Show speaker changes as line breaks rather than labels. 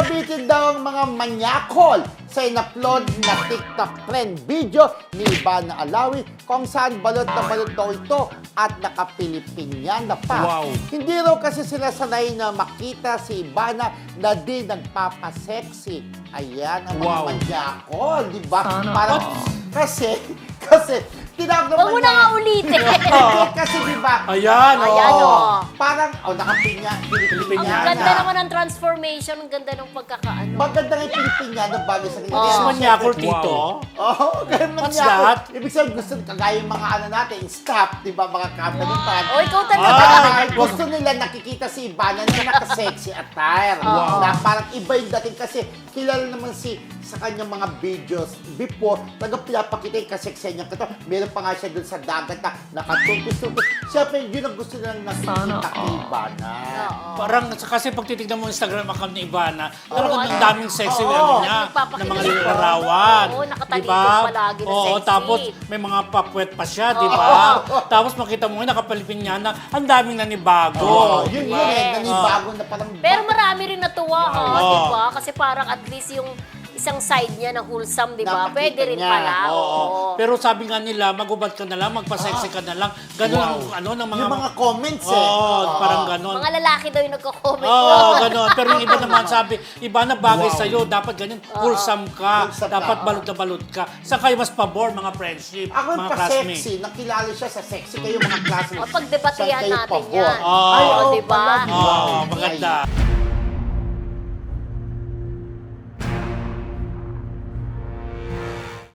Nabitin daw ang mga manyakol sa in-upload na TikTok trend video ni Ivana Alawi kung saan balot na balot daw ito at nakapilipinyana pa.
Wow.
Hindi raw kasi sila sanay na makita si Ivana na di nagpapasexy. Ayan ang mga
Wow.
manyakol, di ba?
Sana.
Parang, kasi, tinawag naman
Huwag mo na nga ulitin.
Kasi di ba?
Ayan,
Ayan,
oo.
oh.
Parang, nakapinya,
Ang
pilipinyana.
ganda naman ng transformation, ang ganda ng pagkakaano.
Maganda nga yung pilipinyana bagay sa
Oh.
Is
kanya.
manyakol tito?
Oo, ganun man
What's
niya ako.
that?
Ibig sabihin, gusto kagaya yung mga ano natin, staff, di ba, mga company fan.
O, ikaw talaga.
Ay, gusto nila nakikita si Ivana na naka-sexy attire.
Wow.
Na parang iba yung dating kasi kilala naman sa kanyang mga videos before, talagang pinapakita yung kasexy niya. Meron pa nga siya dun sa dagat na nakatupis-tupis. Siyempre, yun ang gusto nilang nakikita
Sana,
kay Ivana.
Oo.
Parang kasi pag titignan mo yung Instagram account ni Ivana, talagang
ano?
ang daming sexy
Oo.
ano niya,
Nagpapakita
na mga
siya.
larawan.
Oo, nakatalikod
Diba?
palagi na
Oo,
sexy.
tapos may mga papwet pa siya, di ba? Tapos makita mo nga, nakapalipin niya na ang daming nanibago.
Oo, yun
Diba?
yun eh,
Yes.
nanibago na parang...
Pero marami rin natuwa,
Wow.
di ba? Kasi parang at least yung isang side niya na wholesome, di ba?
Napakita
Pwede rin
niya.
pala.
Oo.
Oo.
Pero sabi nga nila, magubad ka na lang, magpa-sexy ka na lang. Ganun ang ano ng mga...
Yung mga comments eh.
Oo, parang ganun.
Mga lalaki daw yung nagko-comment.
Oo, gano'n. Pero yung iba naman sabi, iba na bagay
Wow.
sa'yo, dapat ganyan, wholesome ka,
Wholesome
dapat
ka.
balot na balot ka. Saan kayo mas pabor, mga friendship,
Ako yung
mga classmates?
pa-sexy, nakilala siya sa sexy kayo mga classmates.
O, pagdebatehan
Saan kayo
natin
pabor?
yan.
Oo.
Ay,
Oo,
oo,
di ba?
pala.
Oo,
Wow.
maganda.